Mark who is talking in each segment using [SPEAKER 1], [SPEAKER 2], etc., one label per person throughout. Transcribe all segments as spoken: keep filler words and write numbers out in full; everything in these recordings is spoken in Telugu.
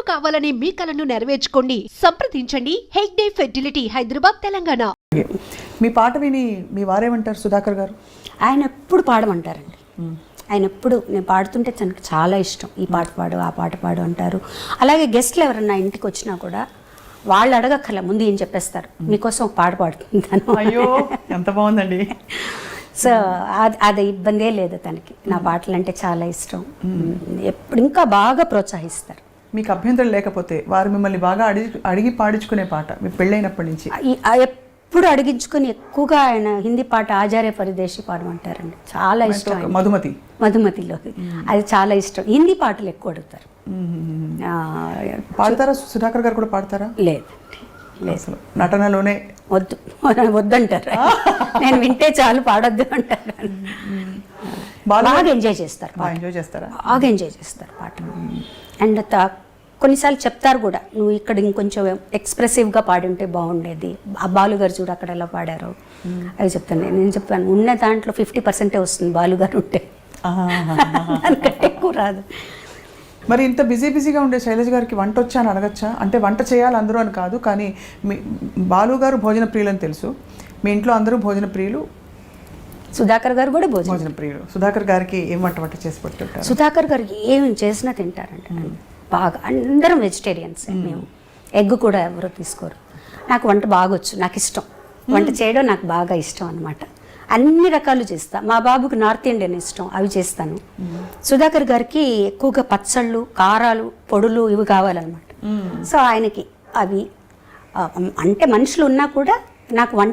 [SPEAKER 1] కావాలనే మీ కలను నెరవేర్చుకోండి. సంప్రదించండి హెగ్డే ఫెర్టిలిటీ, హైదరాబాద్, తెలంగాణ.
[SPEAKER 2] మీ పాట విని మీ వారేమంటారు సుధాకర్ గారు?
[SPEAKER 3] ఆయన ఎప్పుడు పాడమంటారండి. ఆయన ఎప్పుడు నేను పాడుతుంటే తనకు చాలా ఇష్టం. ఈ పాట పాడు, ఆ పాట పాడు అంటారు. అలాగే గెస్ట్లు ఎవరన్నా ఇంటికి వచ్చినా కూడా వాళ్ళు అడగక్కర్లే, ముందు ఏం చెప్పేస్తారు, మీకోసం ఒక పాట పాడుతుంటాను.
[SPEAKER 2] అయ్యో ఎంత బాగుందండి.
[SPEAKER 3] సో అది అది ఇబ్బందే లేదు తనకి. నా పాటలు అంటే చాలా ఇష్టం. ఎప్పుడు ఇంకా బాగా ప్రోత్సహిస్తారు.
[SPEAKER 2] మీకు అభ్యంతరం లేకపోతే వారు మిమ్మల్ని బాగా అడిగి అడిగి పాడించుకునే పాట మీ పెళ్ళైనప్పటి నుంచి
[SPEAKER 3] ఎప్పుడు అడిగించుకొని ఎక్కువగా ఆయన హిందీ పాట ఆచార్య పరిదేశి పాడమంటారండి. చాలా ఇష్టం.
[SPEAKER 2] మధుమతి
[SPEAKER 3] మధుమతిలో అది చాలా ఇష్టం. హిందీ పాటలు ఎక్కువ అడుగుతారు.
[SPEAKER 2] పాడతారా? సుధాకర్ గారు కూడా పాడతారా?
[SPEAKER 3] లేదండి,
[SPEAKER 2] లేదు. నటనలోనే
[SPEAKER 3] వద్దు వద్దంటారు. నేను వింటే చాలు, పాడొద్దు అంటారు. బాగా ఎంజాయ్ చేస్తారు.
[SPEAKER 2] ఎంజాయ్ చేస్తారా?
[SPEAKER 3] బాగా ఎంజాయ్ చేస్తారు పాట. అండ్ కొన్నిసార్లు చెప్తారు కూడా, నువ్వు ఇక్కడ ఇంకొంచెం ఎక్స్ప్రెసివ్గా పాడి ఉంటే బాగుండేది, ఆ బాలుగారు చూడు అక్కడ ఎలా పాడారు అవి చెప్తాను. నేను చెప్పాను, ఉన్న దాంట్లో ఫిఫ్టీ పర్సెంటే వస్తుంది బాలుగారు ఉంటే, దానికంటే ఎక్కువ రాదు.
[SPEAKER 2] మరి ఇంత బిజీ బిజీగా ఉండే శైలజ గారికి వంట వచ్చా అని అడగచ్చా? అంటే వంట చేయాలి అందరూ అని కాదు, కానీ మీ బాలు గారు భోజన ప్రియులు అని తెలుసు. మీ ఇంట్లో అందరూ భోజన ప్రియులు.
[SPEAKER 3] సుధాకర్ గారు కూడా భోజన
[SPEAKER 2] భోజన ప్రియులు. సుధాకర్ గారికి ఏం వంట వంట చేసి పెట్టుంటారు?
[SPEAKER 3] సుధాకర్ గారికి ఏమి చేసినా తింటారంట బాగా. అందరం వెజిటేరియన్స్ మేము. ఎగ్ కూడా ఎవరో తీసుకోరు. నాకు వంట బాగా వచ్చు, నాకు ఇష్టం వంట చేయడం, నాకు బాగా ఇష్టం అనమాట. అన్ని రకాలు చేస్తా. మా బాబుకి నార్త్ ఇండియన్ ఇష్టం, అవి చేస్తాను. సుధాకర్ గారికి ఎక్కువగా పచ్చళ్ళు, కారాలు, పొడులు ఇవి కావాలన్నమాట. సో ఆయనకి అవి అంటే మనుషులు ఉన్నా కూడా నాకు వంట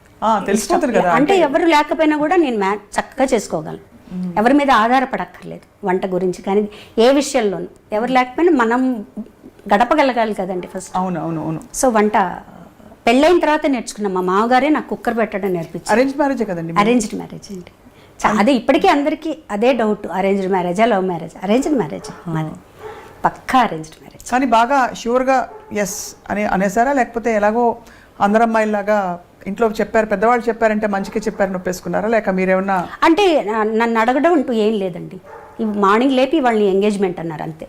[SPEAKER 3] అంటే ఎవరు లేకపోయినా కూడా నేను మ్యా చక్కగా చేసుకోగలను. ఎవరి మీద ఆధారపడక్కర్లేదు వంట గురించి. కానీ ఏ విషయంలోనూ ఎవరు లేకపోయినా మనం గడపగలగాలి కదండి ఫస్ట్.
[SPEAKER 2] అవును అవును అవును.
[SPEAKER 3] సో వంట పెళ్ళైన తర్వాత నేర్చుకున్నాం. మా మామగారే నాకు కుక్కర్ పెట్టడం నేర్పించారు.
[SPEAKER 2] అరేంజ్ మ్యారేజ్ కదండి?
[SPEAKER 3] అరేంజ్డ్ మ్యారేజ్ అండి. అదే ఇప్పటికీ అందరికీ అదే డౌట్, అరేంజ్డ్ మ్యారేజా లవ్ మ్యారేజ్? అరేంజ్డ్ మ్యారేజ్ మాది, పక్కా అరేంజ్డ్ మ్యారేజ్.
[SPEAKER 2] కానీ బాగా ష్యూర్గా ఎస్ అని అనేసారా, లేకపోతే ఎలాగో అందరమ్మాయిలాగా ఇంట్లో చెప్పారు, పెద్దవాళ్ళు చెప్పారంటే మంచిగా చెప్పారు నొప్పేసుకున్నారా, లేక మీరేమన్నా?
[SPEAKER 3] అంటే నన్ను అడగడం అంటూ ఏం లేదండి. మార్నింగ్ లేపి వాళ్ళని ఎంగేజ్మెంట్ అన్నారు అంతే.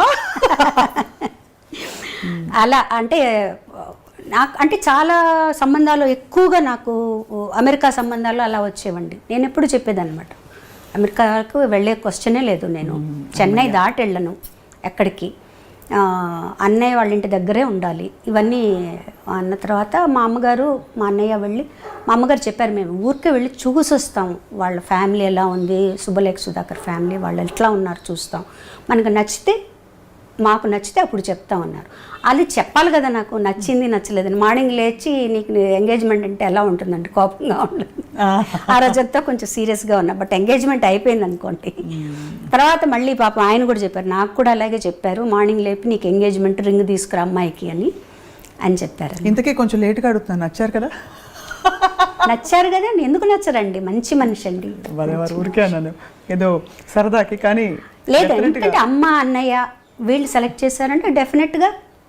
[SPEAKER 3] అలా అంటే నాకు అంటే చాలా సంబంధాలు ఎక్కువగా నాకు అమెరికా సంబంధాలు అలా వచ్చేవండి. నేను ఎప్పుడు చెప్పేదన్నమాట, అమెరికాకు వెళ్ళే క్వశ్చనే లేదు. నేను చెన్నై దాటి వెళ్ళను ఎక్కడికి, అన్నయ్య వాళ్ళ ఇంటి దగ్గరే ఉండాలి. ఇవన్నీ అన్న తర్వాత మా అమ్మగారు మా అన్నయ్య వెళ్ళి, మా అమ్మగారు చెప్పారు, మేము ఊరికే వెళ్ళి చూసి వస్తాం, వాళ్ళ ఫ్యామిలీ ఎలా ఉంది, శుభలేఖ సుధాకర్ ఫ్యామిలీ వాళ్ళు ఎట్లా ఉన్నారు చూస్తాం, మనకు నచ్చితే మాకు నచ్చితే అప్పుడు చెప్తామన్నారు. అది చెప్పాలి కదా, నాకు నచ్చింది నచ్చలేదని. మార్నింగ్ లేచి నీకు ఎంగేజ్మెంట్ అంటే ఎలా ఉంటుందండి, కోపంగా ఉంటుంది. ఆ రోజంతా కొంచెం సీరియస్గా ఉన్నా. బట్ ఎంగేజ్మెంట్ అయిపోయింది అనుకోండి. తర్వాత మళ్ళీ పాపం ఆయన కూడా చెప్పారు, నాకు కూడా అలాగే చెప్పారు, మార్నింగ్ లేపి నీకు ఎంగేజ్మెంట్ రింగ్ తీసుకురా అమ్మాయికి అని అని చెప్పారు.
[SPEAKER 2] ఇంతకీ కొంచెం లేట్గా అడుగుతున్నాను, నచ్చారు కదా?
[SPEAKER 3] నచ్చారు కదా, ఎందుకు నచ్చరండి, మంచి మనిషి అండి.
[SPEAKER 2] ఊరికే అన్నాను ఏదో సరదాకి. కానీ
[SPEAKER 3] లేదు, ఎందుకంటే అమ్మ అన్నయ్య వీళ్ళు సెలెక్ట్ చేశారంటే డెఫినెట్గా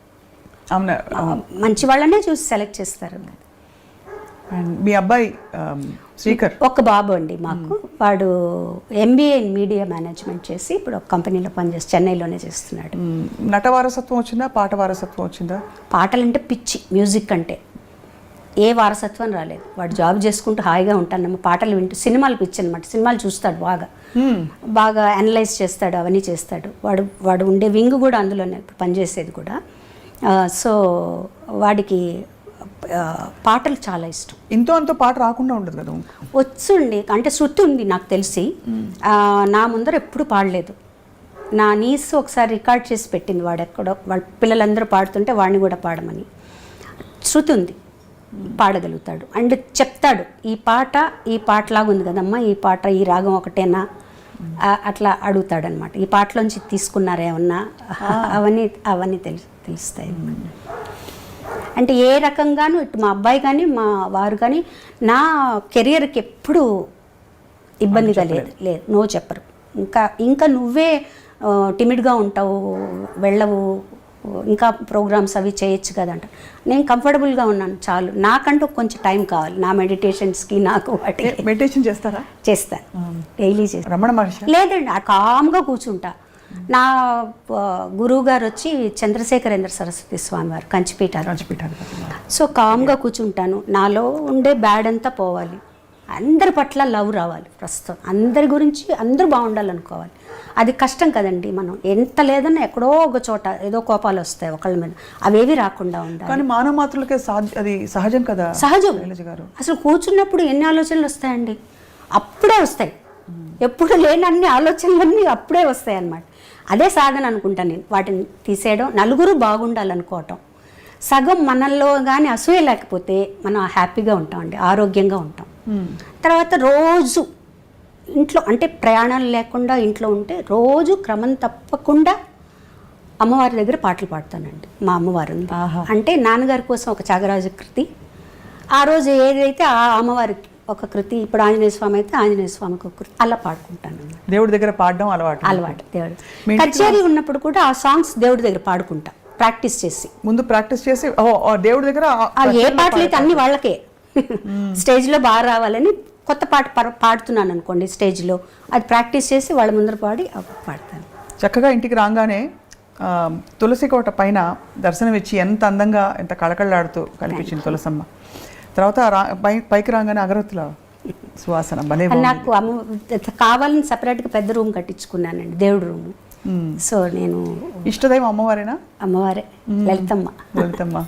[SPEAKER 3] మంచి వాళ్ళనే చూసి సెలెక్ట్ చేస్తారు.
[SPEAKER 2] మీ అబ్బాయి శ్రీకర్
[SPEAKER 3] ఒక బాబు అండి మాకు. వాడు ఎంబీఏ ఇన్ మీడియా మేనేజ్మెంట్ చేసి ఇప్పుడు ఒక కంపెనీలో పనిచేసి చెన్నైలోనే చేస్తున్నాడు.
[SPEAKER 2] నట వారసత్వం వచ్చిందా, పాట వారసత్వం వచ్చిందా?
[SPEAKER 3] పాటలంటే పిచ్చి, మ్యూజిక్ అంటే ఏ వారసత్వం రాలేదు. వాడు జాబ్ చేసుకుంటూ హాయిగా ఉంటాను, పాటలు వింటూ. సినిమాలు పిచ్చి అనమాట, సినిమాలు చూస్తాడు బాగా, బాగా అనలైజ్ చేస్తాడు, అవన్నీ చేస్తాడు. వాడు వాడు ఉండే వింగ్ కూడా అందులోనే పనిచేసేది కూడా. సో వాడికి పాటలు చాలా ఇష్టం.
[SPEAKER 2] ఇంతో అంతో పాట రాకుండా ఉండదు కదా?
[SPEAKER 3] వచ్చుండి అంటే శృతి ఉంది నాకు తెలిసి. నా ముందర ఎప్పుడు పాడలేదు. నా నీస్ ఒకసారి రికార్డ్ చేసి పెట్టింది, వాడు ఎక్కడో వాళ్ళ పిల్లలందరూ పాడుతుంటే వాడిని కూడా పాడమని. శృతి ఉంది, పాడగలుగుతాడు. అండ్ చెప్తాడు, ఈ పాట ఈ పాటలాగా ఉంది కదమ్మా, ఈ పాట ఈ రాగం ఒకటేనా అట్లా అడుగుతాడనమాట. ఈ పాటలోంచి తీసుకున్నారేమన్నా అవన్నీ అవన్నీ తెలుసు తెలుస్తాయి. అంటే ఏ రకంగానూ ఇటు మా అబ్బాయి కానీ మా వారు కానీ నా కెరియర్కి ఎప్పుడు ఇబ్బందిగా లేదు లేదు నో చెప్పరు. ఇంకా ఇంకా నువ్వే టిమిడ్గా ఉంటావు, వెళ్ళవు, ఇంకా ప్రోగ్రామ్స్ అవి చేయొచ్చు కదంట. నేను కంఫర్టబుల్గా ఉన్నాను చాలు, నాకంటూ కొంచెం టైం కావాలి నా మెడిటేషన్స్కి. నాకు వాటి
[SPEAKER 2] మెడిటేషన్ చేస్తారా?
[SPEAKER 3] చేస్తాను, డైలీ చేస్తాను.
[SPEAKER 2] రమణ మహర్షి?
[SPEAKER 3] లేదండి, ఆ కామ్గా కూర్చుంటా. నా ఆ, గురువు గారు వచ్చి చంద్రశేఖరేంద్ర సరస్వతి స్వామి వారు కంచిపీఠాలు.
[SPEAKER 2] కంచిపీఠాధిపతి.
[SPEAKER 3] సో కామ్గా కూర్చుంటాను, నాలో ఉండే బ్యాడ్ అంతా పోవాలి, అందరి పట్ల లవ్ రావాలి, ప్రస్తుతం అందరి గురించి అందరూ బాగుండాలనుకోవాలి. అది కష్టం కదండి, మనం ఎంత లేదన్నా ఎక్కడో ఒక చోట ఏదో కోపాలు వస్తాయి ఒకళ్ళ మీద, అవేవి రాకుండా ఉండాలి.
[SPEAKER 2] కానీ మానవ మాత్రులకే సాధ్య అది సహజం కదా
[SPEAKER 3] సహజం.
[SPEAKER 2] శైలజ గారు
[SPEAKER 3] అసలు కూర్చున్నప్పుడు ఎన్ని ఆలోచనలు వస్తాయండి, అప్పుడే వస్తాయి, ఎప్పుడు లేని అన్ని ఆలోచనలన్నీ అప్పుడే వస్తాయి అన్నమాట. అదే సాధన అనుకుంటాను నేను, వాటిని తీసేయడం, నలుగురు బాగుండాలనుకోవటం. సగం మనల్లో కానీ అసూయ లేకపోతే మనం హ్యాపీగా ఉంటామండి, ఆరోగ్యంగా ఉంటాం. తర్వాత రోజు ఇంట్లో అంటే ప్రయాణాలు లేకుండా ఇంట్లో ఉంటే రోజు క్రమం తప్పకుండా అమ్మవారి దగ్గర పాటలు పాడతానండి. మా అమ్మవారు ఉంది.
[SPEAKER 2] ఆహా.
[SPEAKER 3] అంటే నాన్నగారి కోసం ఒక త్యాగరాజ కృతి, ఆ రోజు ఏదైతే ఆ అమ్మవారికి ఒక కృతి, ఇప్పుడు ఆంజనేయ స్వామి అయితే ఆంజనేయ స్వామికి ఒక కృతి, అలా పాడుకుంటాను అన్నమాట.
[SPEAKER 2] దేవుడి దగ్గర పాడడం అలవాటు.
[SPEAKER 3] అలవాటు దేవుడు.
[SPEAKER 2] మీ ఇంటికి
[SPEAKER 3] కచేరీ ఉన్నప్పుడు కూడా ఆ సాంగ్స్ దేవుడి దగ్గర పాడుకుంటా, ప్రాక్టీస్ చేసి.
[SPEAKER 2] ముందు ప్రాక్టీస్ చేసి ఓ ఓ దేవుడి దగ్గర ఆ-
[SPEAKER 3] ఆ ఏ పాటలు అయితే అన్ని వాళ్ళకే స్టేజ్లో బాగా రావాలని కొత్త పాట పా- పాడుతున్నాను అనుకోండి స్టేజ్లో, అది ప్రాక్టీస్ చేసి వాళ్ళ ముందర పాడి అప్పుడు పాడతాను.
[SPEAKER 2] చక్కగా ఇంటికి రాగానే ఆ, తులసి కోట పైన దర్శనం ఇచ్చి ఎంత అందంగా ఎంత కళకళలాడుతూ కనిపించింది తులసమ్మ. తర్వాత రా పై పైకి రాగానే అగరత్తుల సువాసన భలే బాగుంది.
[SPEAKER 3] నాకు అమ్మ కావాలని సపరేట్గా పెద్ద రూమ్ కట్టించుకున్నానండి, దేవుడి రూము.
[SPEAKER 2] మ్మ్.
[SPEAKER 3] సో నేను
[SPEAKER 2] ఇష్టదైవం అమ్మవారేనా?
[SPEAKER 3] అమ్మవారే, లలితమ్మ.
[SPEAKER 2] లలితమ్మ.